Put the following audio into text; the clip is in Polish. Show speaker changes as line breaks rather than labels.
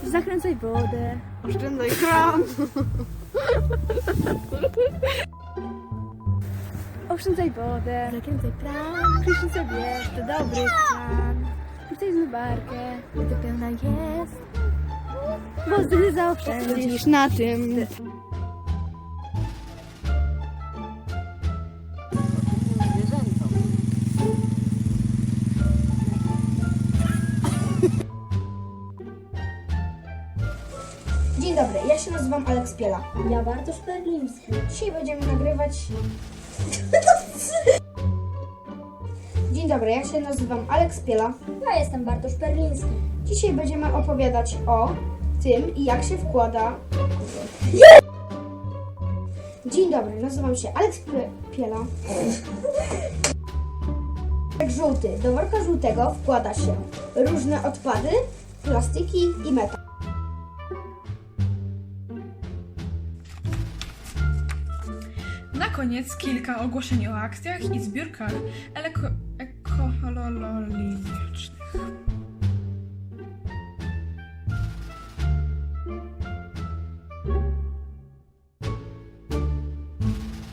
Zakręcaj wodę.
Oszczędzaj kran.
Oszczędzaj wodę.
Zakręcaj kran.
Prysznic bierz, to dobry plan. Wrzucaj zmywarkę,
Gdy pełna jest.
bo wtedy zaoszczędzisz na tym.
Dzień dobry, ja się nazywam Aleks Piela.
Ja Bartosz Perliński.
Dzisiaj będziemy nagrywać... Dzień dobry, ja się nazywam Aleks Piela.
Ja jestem Bartosz Perliński.
Dzisiaj będziemy opowiadać o tym, jak się wkłada... Dzień dobry, nazywam się Aleks Piela. Worek żółty. Do worka żółtego wkłada się różne odpady, plastiki i metal.
Na koniec kilka ogłoszeń o akcjach i zbiórkach ekologicznych.